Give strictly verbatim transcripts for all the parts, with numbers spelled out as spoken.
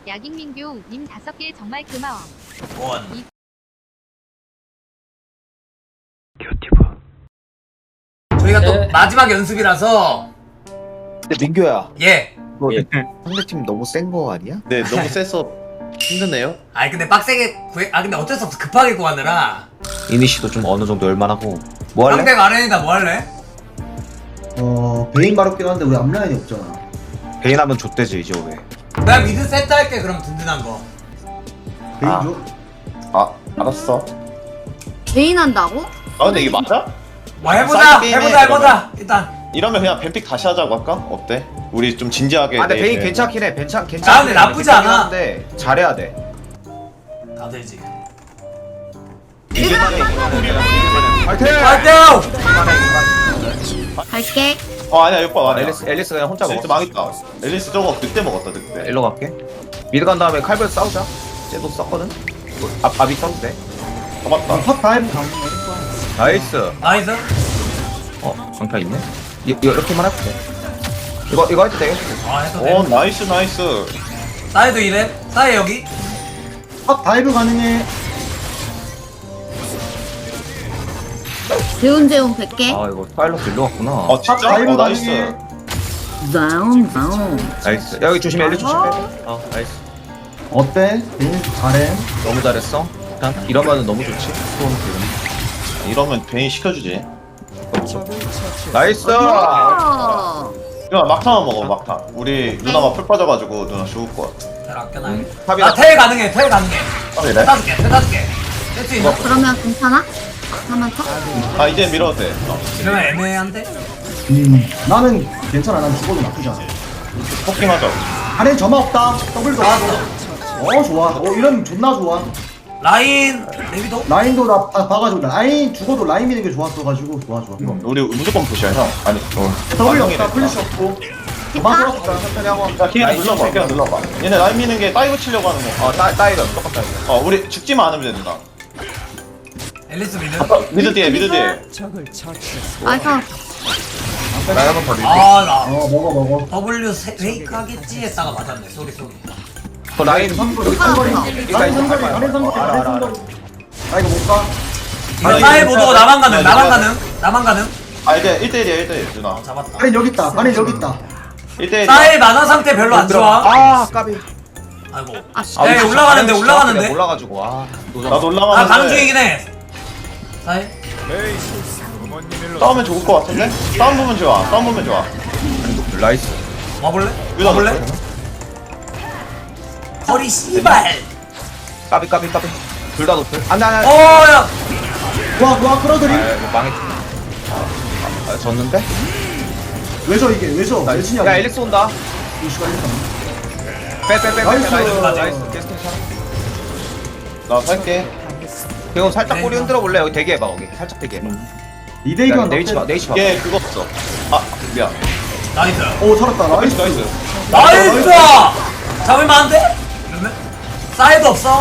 야깅민규 님 다섯 개 정말 고마워. 원. 이- 저희가 또 네. 마지막 연습이라서 근데 민규야, 예. 너 예. 상대팀 너무 센 거 아니야? 네, 너무 세서 힘드네요. 아니 근데 빡세게 구해. 아 근데 어쩔 수 없어 급하게 구하느라. 이니시도 좀 어느 정도 열만하고. 뭐 할래? 상대 마련이다 뭐 할래? 어 베인 마렵긴 한데 우리 앞라인이 없잖아. 베인 하면 좆대지 이제 왜? 내가 미드 세트 할게 그럼 든든한 거. 베인 아. 줘? 아, 알았어. 베인 한다고? 아, 근데 이게 맞아? 뭐 해보자 사이드 게임에 해보자 해보자 일단. 이러면 그냥 뱀픽 다시 하자고 할까? 어때? 우리 좀 진지하게. 아, 근데 내일 베인 괜찮긴 해. 괜찮 아, 괜찮. 근데 나쁘지 않아. 근데 잘해야 돼. 다 되지. 이길만해. 파이팅! 파이팅! 갈게. 어, 아니야, 이거 아니야. 앨리스 앨리스 그냥 혼자 앨리스 먹어. 망했다. 앨리스 저거 그때 먹었다, 그때. 일로 갈게. 미드 간 다음에 칼벌 싸우자. 쟤도 썼거든. 아, 밥이 써도 돼. 잡았다. 팝 타임 가면 나이스. 나이스. 어, 방패 있네. 이, 이거 이렇게만 해도 돼. 이거 이거 해도 되겠어. 아 해도 오, 돼. 나이스, 나이스. 사이드 이래. 사이 여기. 팝 다이브 가능해. 재운재운 백 개. 아, 이거 파일럿 일로 왔구나. 어, 팝 진짜? 다이브 어, 나이스. 가능해. 다운 다운. 나이스. 여기 조심해. 앨리스 조심해. 어, 나이스. 어때? 베인 잘해. 너무 잘했어. 일단 이러면은 너무 좋지. 수원 기분. 이러면 베인 시켜주지. 나이스. 어. 누나 막타만 먹어, 막타. 우리 누나가 풀 빠져가지고 누나 죽을 것 같아. 잘 아껴놔야겠다. 탑이다. 나텔 가능해 텔 가능해. 아, 텔 이래? 타줄게텔 타줄게. 뗄수 있나? 그러면 괜찮아? 하면 쳐? 아, 이제 밀어도 돼. 어. 이러면 애매한데? 음 나는 괜찮아. 난 죽어도 나쁘지 않아. 포킹하자. 안에 점화 없다. 더블도 없어. 어 좋아. 어 이러면 존나 좋아. 라인 레비도? 라인도 나 봐- 봐가지고 라인 죽어도 라인 미는 게 좋았어가지고 좋아 좋아. 우리 무조건 푸시야, 형. 아니, 어. 더블이 완성이네. 없다. 플래시 없고. 됐다. 점화 들었다. 천천히 하고. 자, 키가 눌러봐, 키가 눌러봐. 얘네 라인 미는 게 다이브 치려고 하는 거. 어, 따 따이다. 똑같다. 이거. 어, 우리 죽지만 않으면 된다. 앨리스 미드? 미드 뒤에, 미드 뒤에. 나이스. 나 한번 더 밀게. 아나 어 먹어 먹어. W 세- 페이크 하겠지 했다가 맞았네 쏘리 쏘리. 그 라인 선거리 아, 선거리. 아, 라인 선거리. 라인 선거리. 알아, 라인 알아, 알아. 선거리. 아 이거 못 가. 이거 아니, 사이 이거 보도 진짜- 나만 가능 아니, 나만 이거- 가능 나만 가능. 아, 이제 일 대일이야, 일 대일. 누나. 어 잡았다. 라인 여기 있다. 라인 여기 있다. 일 대일. 사이 만화 상태 별로 안 좋아. 아, 까비. 아이고. 아 씨. 야, 우리 진짜 올라가는데, 진짜 올라가는데? 올라가지고 아. 노장. 나도 아 올라가는데. 가는 중이긴 해. 사이. 싸우면 좋을 것 같은데? 싸움 보면 좋아, 싸움 보면 좋아. 나이스. 와볼래? 유나 와볼래? 거리 씨발. 까비 까비 까비. 둘 다 높을. 안돼 안돼. 어야. 와, 와, 끌어들임. 아, 이거 망했지. 아, 아, 졌는데? 왜죠 이게? 왜죠? 왜 나이스. 치냐? 야, 앨리스 온다. 이 시간 일단. 빼빼빼빼. 나이스. 나이스. 나이스. 계속 괜찮아. 나 살게. 그럼 살짝 꼬리 흔들어 볼래? 여기 대기해봐 거기. 살짝 대기해봐. 이대기만 네이치 봐. 네이치 봐. 얘 그거 없어. 아, 미안. 나이스. 오 살았다. 나이스, 나이스. 나이스. 나이스. 잡을만한데? 이러면 사이도 없어.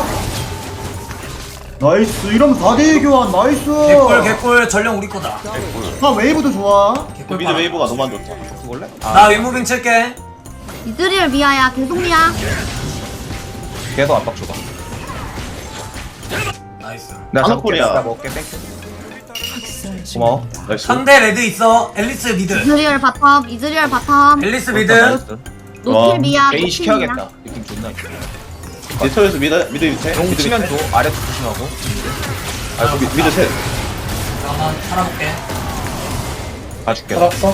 나이스. 이러면 사 대 일 교환. 나이스. 개꿀 개꿀 전령 우리 거다. 아 웨이브도 좋아. 개꿀 미드 웨이브가 너무 안 좋다. 볼래? 나 윗무빙 칠게. 이즈리얼 미아야 계속 미야. 계속 압박 줘봐. 나이스. 내가 한옥골이야. 잡을게. 내가 먹을게. 땡큐. 고마워. 나이스. 상대 레드 있어. 앨리스 미드. 이즈리얼 바텀. 이즈리얼 바텀. 앨리스 미드. 와, 노틸 미야. 개인 노틸 시켜야겠다. 미야. 느낌 존나 있어. 디토에서 미드, 미드 밑에. 용 미드 치면 밑에. 줘. 아래도 조심하고. 아, 미, 미드 셋. 잠깐만 살아볼게. 봐줄게. 살았어?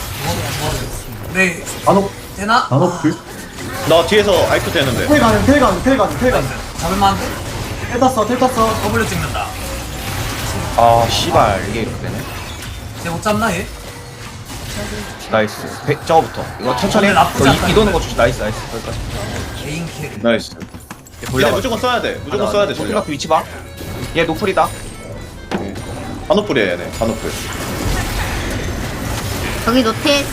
네. 단옥. 되나? 단옥 불. 나 뒤에서 아이큐 되는데. 텔 가는. 텔 가는. 텔 가는. 텔 가는. 나이스. 잡을만한데? 텔 땄어. 텔 땄어. W 찍는다. 아, 씨발. 이게 이렇게 되네. 쟤못 잡나 얘? 나이스. 배, 저거부터. 이거 천천히. 근데 나쁘지 너 않다, 이, 이 도는 거 주지. 나이스, 나이스. 거기까지. 개인 킬. 나이스. 얘 무조건 써야 돼. 무조건 써야 돼, 전략 전략. 위치 봐. 얘 노플이다. 단오플이야, 얘네. 단오플. 여기 노틸.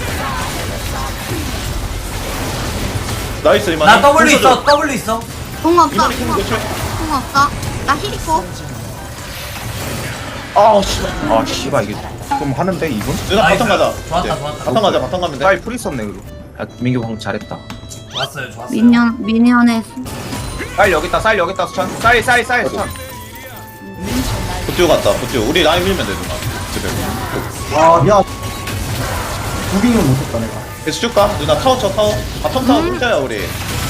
나이스, 이만. 나 W 있어. W 있어. 공 없어. 이만희 공 공 없어. 교체. 공 없어. 나 힐 있고. 아, 씨발. 아, 씨발. 이게 좀 하는데, 이분? 누나 나이스. 바텀 가자. 좋았다, 이제. 좋았다. 바텀 가자, 바텀 가면 돼. 빨리 풀 있었네, 그리고. 야, 민규 방금 잘했다. 좋았어요 좋았어요. 미니언 미니언에 쌀 여기 있다 쌀 여기 있다 수찬 쌀 쌀 쌀 수찬 보티오 갔다 보티오 우리 라인 밀면 돼 누나 집에 아 미안 무빙은 못했다 내가. 계속 줄까? 누나 타워 쳐 타워 바텀 타워 혼자야 우리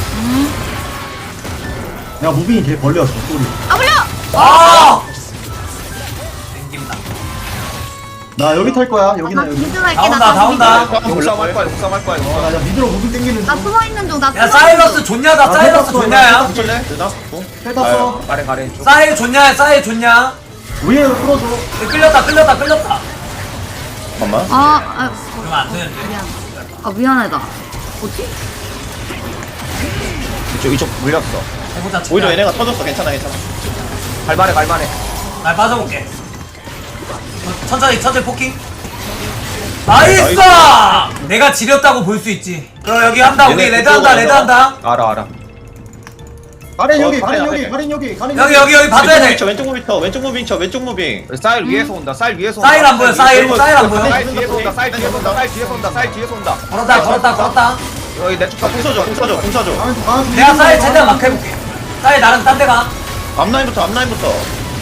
내가 무빙이 개 벌려서 소리. 아 불려. 아! 땡긴다. 나 여기 탈 거야. 여기나 나 여기. 미드 갈게. 다 온다, 나 다 온다. 용싸움 할 거야 용싸움 할 거야 어, 용싸움 나 이제 미드로 무빙 땡기는 나 중. 숨어 있는 중. 나 야 숨어 사일러스 있는 중. 좋냐다 아, 사일러스 해봤어, 좋냐야. 붙을래? 누나? 어? 텔 탔어. 가래 가래 쭉 사일 좋냐 사일 좋냐. 위에 풀어줘. 끌렸다 끌렸다 끌렸다. 잠깐만 아, 아, 그러면 안 되는데. 미안. 아 미안하다. 뭐지? 이쪽 이쪽 물렸어 해보자. 오히려 최대한. 얘네가 터졌어 괜찮아 괜찮아 갈만해 갈만해 날 빠져볼게. 어, 천천히 천천히 포킹. 나이스! 내가 지렸다고 볼 수 있지. 그럼 여기 한다 우리 얘네 레드 한다 레드 한다. 알아 알아 가렌 어, 여기, 가렌 가렌 여기, 앞에. 가렌 여기, 가렌 여기 여기 여기 봐줘야 왼쪽 돼. 무빙 쳐 왼쪽 무빙 쳐 왼쪽 무빙 쳐 왼쪽 무빙 쌀 위에서 온다 쌀 위에서 온다 사일 안 보여 사일 사일 안 보여. 쌀 뒤에서 온다 쌀 뒤에서 온다 쌀 뒤에서 온다 쌀 뒤에서 온다 걸었다 걸었다 걸었다. 여기 내쪽 공 쳐줘 공 쳐줘 공 쳐줘 가렌 가렌. 내가 사일 최대한 막 해볼게. 사일 나랑 딴 데가. 앞라인부터 앞라인부터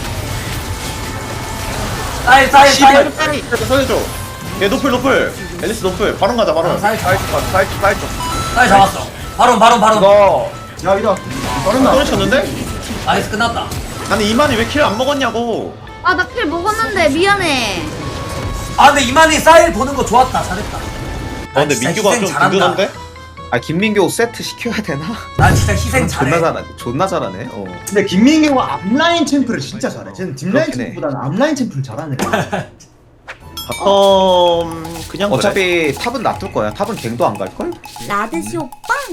사일 사일 사일. 서해줘 얘 노플 노플 앨리스 노플 바로 가자 바로 사일 쌀 잡- 쪽, 쌀 쪽, 쌀 쪽. 사일 잡았어. 바로 바로 바로. 이거 야 이다. 가렌 나. 손을 쳤는데? 나이스 끝났다. 아니 이만희 왜 킬 안 먹었냐고 아, 나 킬 먹었는데 미안해. 아 근데 이만희 사일 보는 거 좋았다 잘했다. 아 근데 진짜 민규가 희생 좀 잘한다. 든든한데? 아 김민교 세트 시켜야 되나? 난 진짜 희생 잘해. 존나 잘하네 존나 잘하네 어 근데 김민규가 앞라인 챔프를 진짜 잘해. 쟤는 뒷라인 그렇긴 해. 챔프보다는 앞라인 챔프를 잘하네. 바텀 그냥 그래. 어차피 탑은 놔둘 거야 탑은 갱도 안 갈걸? 라드시 오빠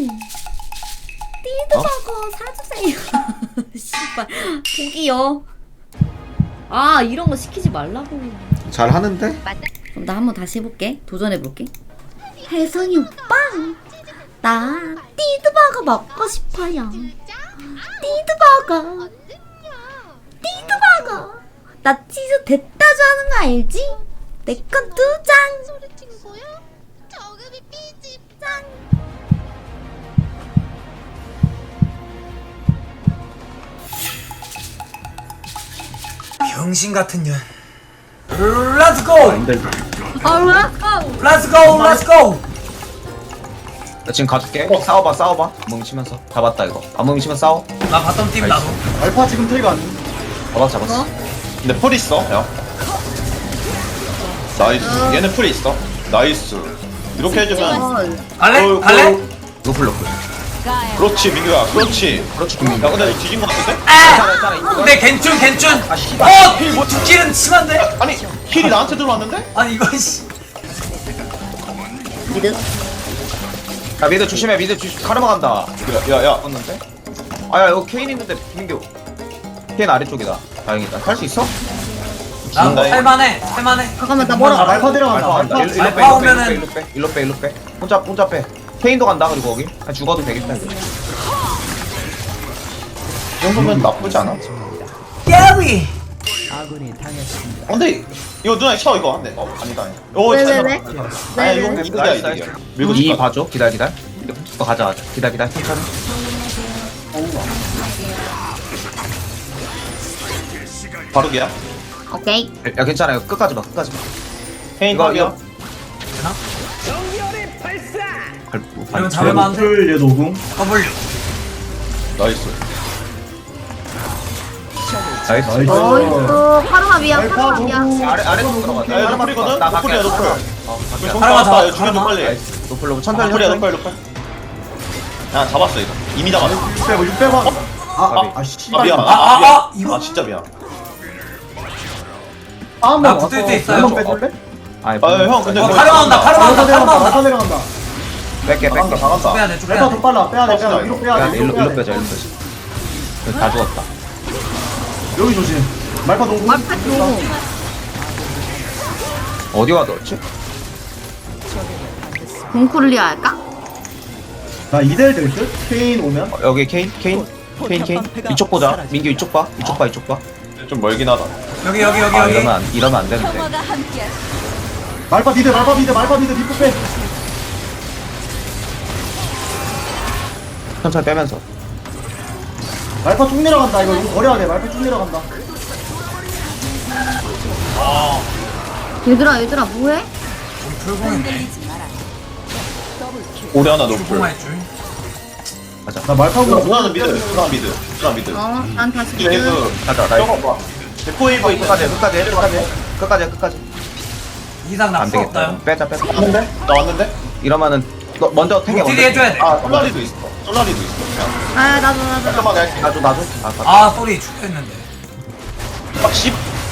띠드버거 사주세요. 씨발 고기요. 아 이런 거 시키지 말라고. 잘 하는데? 맞다. 그럼 나 한번 다시 해볼게. 도전해볼게. 혜성이 오빠 나 띠드버거 먹고 싶어요. 띠드버거 띠드버거 나 치즈 됐다 좋아하는 거 알지? 내 건 두 장. 짱. 병신 같은 년. Let's go. 아, 왜? Let's go. Let's go. 나 지금 가줄게 싸워봐 싸워봐 뭉치면서 잡았다 이거 안 뭉치면 싸워 나 바텀 팀 나도. 알파 지금 텔가 안. 잡았어 잡았어 근데 풀 있어 야 나이스 얘네 풀 있어 나이스 이렇게 해주면 어, 갈래? 어, 갈래? 어, 노플 노플 그렇지 민규야 그렇지 그렇지 김민교 야 근데 너 뒤진 거 같은데? 괜찮아 괜찮아 이거 근데 괜춘 괜춘. 아 씨발 어, 뭐 두킬은 심한데? 아니 힐이 나한테 들어왔는데? 아니 이거 씨. 미드. 야 미드 조심해 미드 조심 카르마 간다 야야야 떴는데? 아야 이거 케인 있는데 김민교 케인 아래쪽이다 다행이다 할 수 있어? 나 진다, 할만해. 할만해. 잠깐만, 나 아, 뭐라. 알파 데려간다. 알파 간다 알파. 일로 빼 알파 일로 빼 오면은- 일로 빼 일로 빼 일로 빼 혼자 혼자 빼 케인도 간다 그리고 거기 아, 죽어도 되겠다 이거 이 정도면 나쁘지 않아 야비. 어, 근데 이거 누나 쳐 이거 안돼 어 아니다 아니다 오 왜, 잘 왜, 잡았다. 왜? 아니 왜, 이거 왜? 이득이야 나이스, 이득이야 나이스. 밀고 이 싶다 봐줘 기다려 기다려 이거 가자 가자 기다려 기다려 천천히 바로 걔야 오케이. 야 괜찮아 이거 끝까지 봐 끝까지 봐 페인 이거, 탑이야 이거. 발- 이러면 발- 잡을만 한데? 풀 얘 노궁. W. 나이스 나이스 나이스. 어이구, 카르마 미안, 알파 카르마 미안. 노궁. 아래 아래쪽 들어가 야, 얘 노플이거든? 나 노플이야, 갈게. 노플. 어, 우리 갈게. 정 하나만 잡았다 잡아, 이거 죽여줘 하나만. 빨리 나이스. 노플 노플 천천히 노플이야 천천히. 노플 노플 야 잡았어 이거 이미 잡았어 육 백, 육 백 원. 아, 아, 아, 씨. 아 미안 아, 아, 미안. 아, 이거? 아 진짜 미안 아, 한번 나 와서 붙을 때 있어요. 한번 빼줄래? 아니, 아형 근데 어, 뭐- 카르마 온다. 카르마 알파 온다. 카르마 내려간다. 온다. 알파 내려간다. 뺄게 뺄게 나간다 나간다 빼야 돼. 쭉 알파 빼야 더 돼. 빨라. 빼야 돼, 빼야 없어, 돼. 위로 빼야 야 돼. 일로 위로 빼야 일로 돼. 빼자 일로 빼자 다 죽었다 여기 조심. 말파 노궁. 말파 노궁. 어디가 넣었지? 공쿨리아 할까? 나 이 대 일 될 듯? 케인 오면? 어, 여기 케인 케인 케인 케인 이쪽 보자 민규 이쪽 봐 이쪽 봐 이쪽 봐 좀 멀긴 하다 여기 여기 여기 아 여기. 이러면 안 이러면 안 되는데 말파 미드, 말파 미드, 말파 미드, 뒷부 빼. 천천히 빼면서. 말파 쭉 내려간다. 이거 이거 버려야 돼. 말파 쭉 내려간다. 얘들아 얘들아 뭐해? 우리 풀공인데 우리 하나 높을. 풀공할 줄. 나 말파고 누나는 미드. 누나 미드. 누나 미드. 어난 다시 이게 미드 그 가자 나 저거 봐. 데포이버 있 끝까지 해, 끝까지 해, 끝까지 해. 끝까지 해, 끝까지. 이상 안 낙서 되겠다. 없다요. 빼자 빼자. 왔는데? 나 왔는데? 이러면은 너 먼저 탱게 딜 먼저. 해줘야 돼. 아 솔라리도 있어. 솔라리도 있어. 그냥 아 나도 나도 나도 깔끔하게 할게. 나줘 나줘. 아, 아, 아 소리 죽겠는데. 막 십.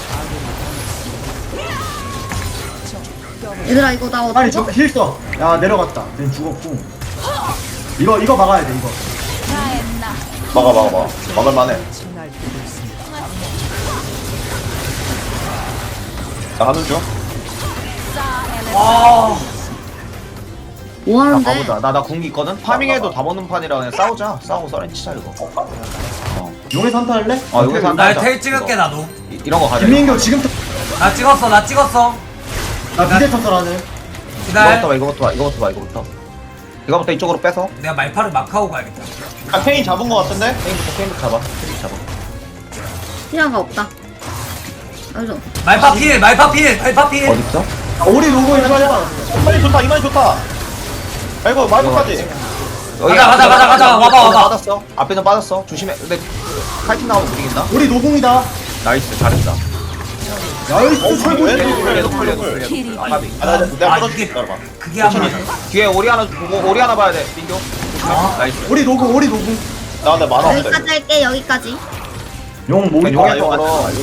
얘들아 이거 나 아니 어떡해? 저힐 써. 야 내려갔다. 쟤 죽었고. 이거 이거 막아야 돼 이거. 막아 막아 막아. 막을만해. 나 하는 중. 아 뭐 나 하는데? 가보자. 나나 궁기 있거든. 파밍해도 다 먹는 판이라 그냥 싸우자. 싸우고 썰렌 치자 이거. 용에서 한타 할래? 어, 용에서 한타. 날 텔 찍을게 나도. 이, 이런 거 가자. 김민규 지금부터 나 찍었어 나 찍었어. 나 미대 탔어라는. 기다려. 이거부터 봐 이거부터 봐 이거부터 봐 이거부터. 이거부터 이쪽으로 빼서. 내가 말파를 막 하고 가야겠다. 아 페인 잡은 거 같은데? 게임부터 게임부터 잡아. 게임 잡아. 시야가 없다 알죠? 말파 필 말파 필 말파 필. 어디 있어? 아, 우리 로고 이거 해봐. 이만이 좋다 이만이 좋다. 아이고 말고까지. 가자, 가자, 가자, 가자. 와봐, 와봐. 빠졌어. 앞에 좀 빠졌어. 조심해. 근데 카이팅 나오면 못 이긴다. 우리 노공이다. 나이스 잘했다. 나이스 최고. 왜? 풀려 풀려 풀려. 아까비. 아, 나, 내가 아, 끌어줄게. 이게- 기다려봐. 그게 한 번. 뒤에 오리 하나 보고 오리 하나 봐야 돼. 민규. 조심해. 나이스. 우리 노공 우리 노공. 나 근데 만화 없다. 여기까지 할게 여기까지 용 몸이 용의 아, 이거 쪽으로. 맞다.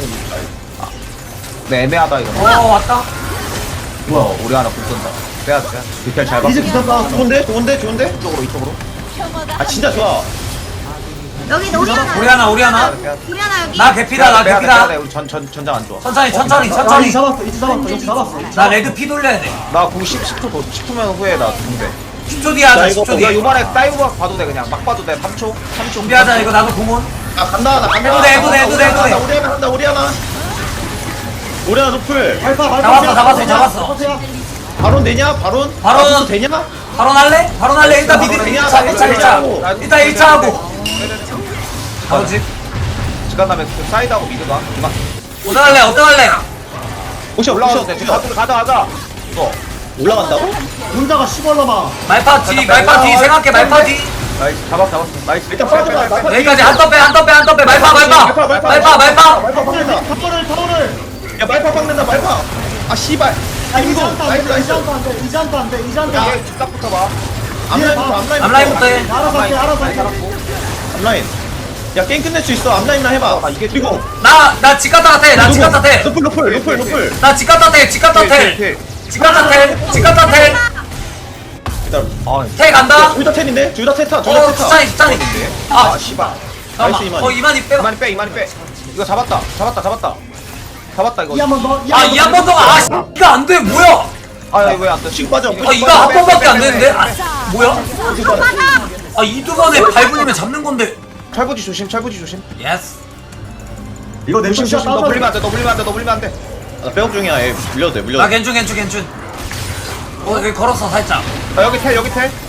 네 애매하다 이거. 어 왔다. 뭐야? 오리 하나 못 쏜다. 빼야 돼. 빼야 돼. 디테일 잘 봐. 이제 기사 봐. 좋은데? 좋은데? 좋은데? 이쪽으로 이쪽으로. 아 진짜 좋아. 여기 우리 하나 우리 하나 우리 하나. 빼야 돼. 우리 하나 여기 나 개피다 나 빼야 돼. 빼야 돼. 개피다. 우리 전 전 전장 안 좋아. 천천히 천천히 아, 천천히. 이제 잡았어. 이제 잡았어. 이제 잡았어. 나 레드 피 돌려야 돼. 나공 십, 십 초 더, 십 초면 후에 나 공대. 십 초 뒤에 하자 나 십 이거 초 우리가 뒤에. 요번에 다이브 봐도 돼 그냥 막 봐도 돼. 삼 초. 삼 초. 준비하자 이거 나도 공원. 아 간다 나 간다. 해도 돼, 해도 돼, 해도 돼, 해도 돼. 우리 하나 간다 우리 하나. 우리 하나 노플. 말파 말파. 잡았어, 잡았어, 잡았어. 바론 되냐? 바론? 바론. 아, 되냐? 바로 날래? 바로 날래 일단 미드 바로 일 차 그냥 일 차 일 차. 바로 일단 일 차 하고. 바로 집. 시간 나면 그 사이드하고 미드가 이만. 어떤 할래 어떤 할래? 오셔 올라가도 오셔 돼. 오셔. 가자 가자 가자. 이거. 올라간다고? 혼자가 시벌러마. 말파 뒤 말파 뒤 생각해 말파 뒤. 나이스. 잡았 잡았어. 나이스. 일단 빨리 빨리 빨리. 여기까지 한 덤 빼 한 덤 빼 한 덤 빼 말파 말파 말파 말파. 말파 박는다. 타워를 타워를. 야 말파 박는다 말파. 아 씨발. 아 이제 이거 한타 나이스 안돼. 나이스. 이제 한타 안돼. 이제 한타 안돼. 이제 한타. 이게 뒷각부터 봐. 앞라인부터 앞라인부터. 앞라인부터 해. 알아서 할게. 알아서 할게. 앞라인. 야 게임 끝낼 수 있어. 앞라인만 해봐. 아, 이게 그리고 나나집 갔다 왔대 나집 갔다 왔대. 노플 노플 노플 노플. 나집 갔다 왔대 집 갔다 왔대. 집 갔다 왔대 집 갔다 왔대. 기다려. 아, 태 간다. 둘 다 텐인데? 둘 다 테타. 둘 다 어 테타. 수찬이 수찬이. 아, 아 씨발. 나이스, 잠깐만. 이만희. 어 이만희 빼. 이만이 빼, 이만이 빼. 이거 잡았다. 잡았다, 잡았다. 잡았다 이거. 이 한 번 더. 아이 한 번 더. 아 씨, 이거 안 돼 뭐야? 아, 이거 왜안 돼? 지금 빠져. 아 이거 한 번밖에 안 되는데? 아 뭐야? 아 이 두 번에 밟으면 잡는 건데. 철부지 조심, 철부지 조심. 예스. 이거 내 조심, 샷 조심. 너 따서. 물리면 안 돼, 너 물리면 안 돼, 너 물리면 안 돼. 나 백업 중이야. 얘 물려도 돼. 물려도 나 돼. 괜춘 괜춘 괜춘. 어 여기 걸었어 살짝. 아, 여기 텔, 여기 텔.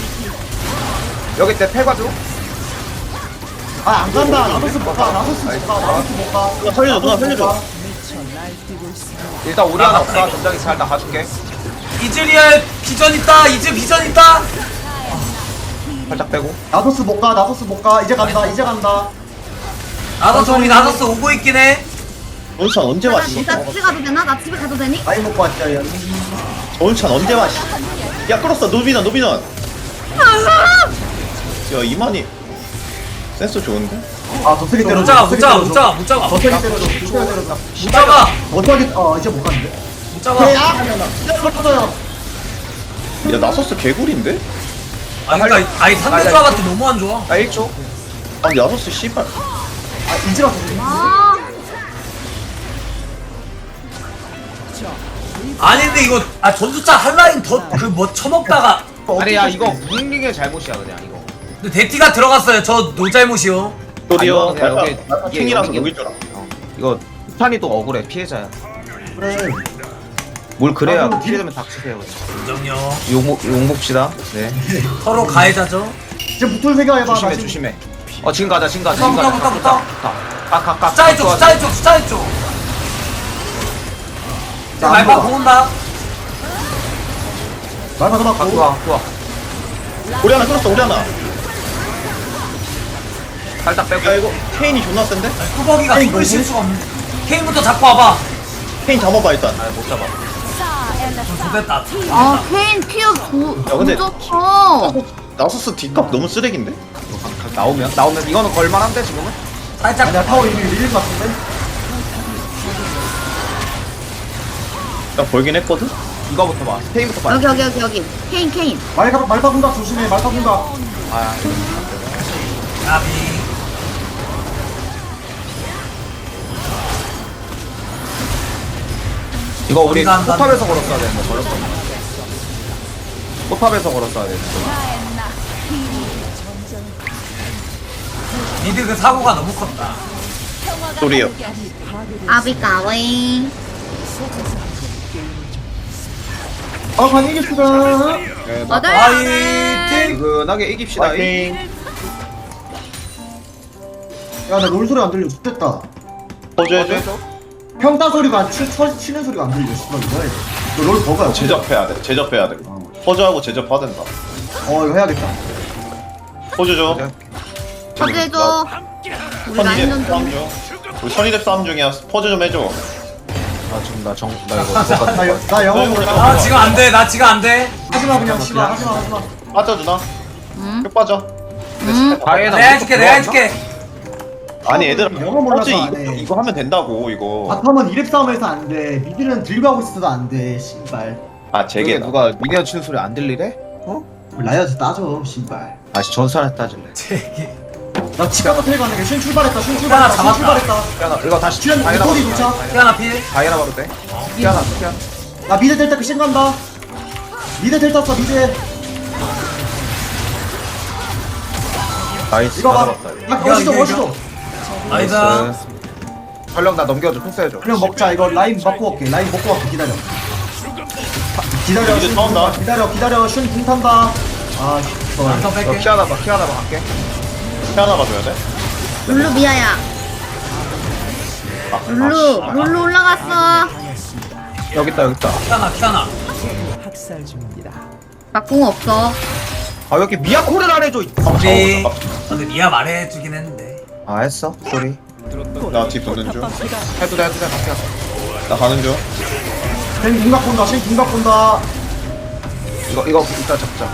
여기 텔, 텔 봐줘. 아안 간다. 나도스 못 가. 나도스 못 가. 나도스 못 가. 누나 살려줘. 누나 살려줘. 일단 우리 하나 없어. 전장이 잘 다 가줄게. 이즈리얼 비전 있다. 이즈 비전 있다. 살짝 빼고. 나도스 못 가. 나도스 못 가. 이제 간다. 이제 간다. 나더스 우리 나더스 오고 있긴 해. 온천 언제 나, 왔어? 나 집에 가도 되나? 나 집에 가도 되니? 많이 먹고 왔자. 얘. 온천 언제 왔어? 야 끌었어. 노비넌 노비넌. 야 이만희. 센스 좋은데? 아 저세게 때려. 못 잡아 못 잡아 못 잡아 못 잡아. 저세게 때려줘. 저세게 때려줘. 못 잡아 어떻게? 어 이제 못 갔는데. 못 잡아. 이거 터져요. 야 나서스 개구리인데? 아 그러니까 아니 상대 조합한테 너무 안 좋아. 나 일 초. 아 나서스 씨발. 아 이지라서. 아 아니 근데 이거 아 전투차 한라인 더 그 뭐 쳐먹다가. 아니, 야, 이거 무빙의 잘못이야, 그냥 이거. 근데 데티가 들어갔어요. 저 노 잘못이요. 도디어 아, 이거 그냥 말파 여기- 킹이라서 여기- 녹일 줄 알아. 어. 이거 탄이 또 억울해, 피해자야. 그래. 뭘 그래야 아, 그럼 피해자면 닥치세요. 그냥. 인정요. 용, 용 봅시다. 네. 서로 가해자죠. 이제 붙을 생각 해봐. 조심해 나 지금 조심해. 어 지금 가자 지금 가자 붙어, 지금 가자. 붙어, 붙어, 가가가. 숫자리 쪽 숫자리 쪽 숫자리 쪽 자, 말파 안 공 온다 말 받아 맞고. 좋아 좋아. 우리 하나 끌었어 우리 하나. 살짝 빼고. 야 이거 케인이 존나 센데? 뚜벅이가 케인 힘을 쉴 뭐지? 수가 없네 케인부터 잡고 와봐 케인 잡아봐 일단. 아못 잡아. 좋됐다 아 케인 피어 고 야, 근데- 좋어. 나소스 뒷값 너무 쓰레기인데? 나오면 나오면 이거는 걸만한데 지금은? 살짝 아니야 타워 이미 밀릴 것 같은데. 나 벌긴 했거든? 이거부터 봐. 스페인부터 봐. 여기 여기 여기 여기. 케인 케인. 말파 말파 군각 조심해. 말파 군각. 아 나비 이거 우리 우리가 한다. 포탑에서 걸었어야 되는데 걸었어. 포탑에서 걸었어야 되는데. 미드 그 사고가 너무 컸다 소리요. 아비까웨이. 아 반이겠습니다. 네, 맞아. 화이팅 든든하게 이깁시다. 파이팅. 야나 롤 소리 안 들려. 죽겠다. 퍼즈 해줘. 평타 소리가 안 치, 쳐, 치는 소리가 안 들려. 씨발 이거. 너롤 버거야. 제접해야 돼. 제접해야 돼. 퍼즈하고 제접해야 된다. 어 이거 해야겠다. 퍼즈 줘. 퍼즈 해줘. 우리 라인 선이뎁 좀 싸움 중. 우리 선이뎁 싸움 중이야. 퍼즈 좀 해줘. 아 지금 나 정 나 이거 나, 여, 나 영어 모르 아 지금 안돼 나 지금 안돼 하지마 그냥 씨발 하지마 하지마. 빠져 누나. 응. 쭉 빠져. 응. 다이애나 내가 해줄게 내가 해줄게 아니 얘들아 영어 몰라서 퍼즈 안 이거, 해. 이거 하면 된다고 이거. 바텀은 이랩 싸움에서 안 돼. 미드는 들고 하고 있어도 안 돼. 씨발. 아 제게 저게 누가 미니언 치는 소리 안 들리래? 라이어즈 따져. 씨발. 다시 전산에 따질래. 제기 나 치카고 텔 가는 게 신 출발했다. 신 하나 출발했다. 신 잡았다. 출발했다. 피아나 이거 다시 출연 다이애나 소리 바로 도착. 돼. 피아나 필 다이애나 바로 돼. 피아나 피아나. 나 미드 텔 타크 신 간다. 미드 텔 탔어 미드. 나이스. 이거 봐. 잡았다. 야 이거, 멋있어 이거, 멋있어. 나이스 활력 나 넘겨줘. 패스해줘. 그냥 먹자. 이거 라인 먹고 올게. 라인 먹고 갈게. 기다려. 기다려. 미드 신 타온다. 기다려 기다려. 신 탄다. 아 씨. 더 너 뺄게 피아나 봐. 피아나 봐. 할게. 피아나 가줘야 돼. 룰루 미아야. 아, 룰루 아, 씨. 룰루 올라갔어. 여기 있다 여기 있다. 피아나 피아나 막공 없어. 아 여기 미야코를 안 해줘. 우리 근데 미아 말해주긴 했는데 아 했어. 소리. 나뒤 붙는 중. 해도 돼 해도 돼. 같이 가자. 나 가는 중. 신 궁각 본다. 신 궁각 본다. 이거 이거 이따 잡자.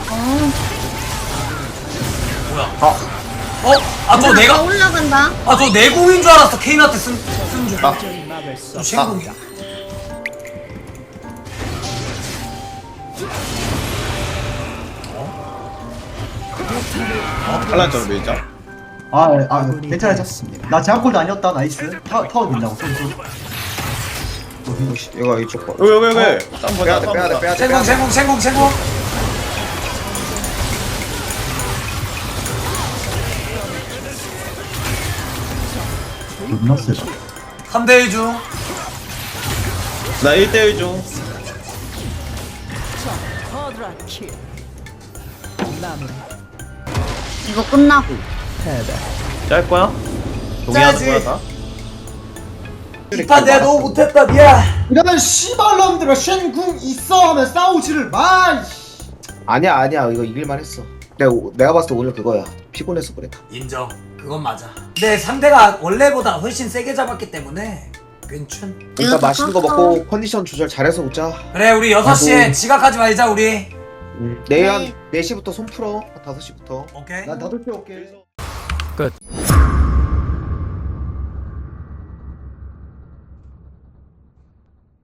뭐야 아 어? 아 저 나 내가 올라간다. 아 저 내공인 줄 알았어 케인한테 쓴쓴줄 아. 저 신공이야 한란 점을 밀자. 아, 아 괜찮아. 나 제압골도 아니었다. 나이스. 타, 타워 된다고. 손, 손. 이거 이쪽 거. 왜 왜 왜? 땀 빼야 돼 빼야 돼 빼야 돼. 생공 생공 생공 생공 존나 세다. 삼 대 일 중 나 일 대 일 중. 이거 끝나고. 짤 거야? 짜야지. 동의하는 거야 다? 이판 내가 너무 못했다 미안 이러면 씨발놈들아 쉔궁 있어 하면 싸우지를 마. 이씨. 아니야 아니야 이거 이길만 했어. 내가 오- 내가 봤을 때 오늘 그거야. 피곤해서 그래. 인정 그건 맞아 근데 상대가 원래보다 훨씬 세게 잡았기 때문에 괜춘 일단 이거 맛있는 거 샀어. 먹고 컨디션 조절 잘해서 오자. 그래 우리 여섯 시에 나도. 지각하지 말자 우리 내일 한 네 시부터 손 풀어. 한 다섯 시부터. 오케이 난 다섯 개 올게.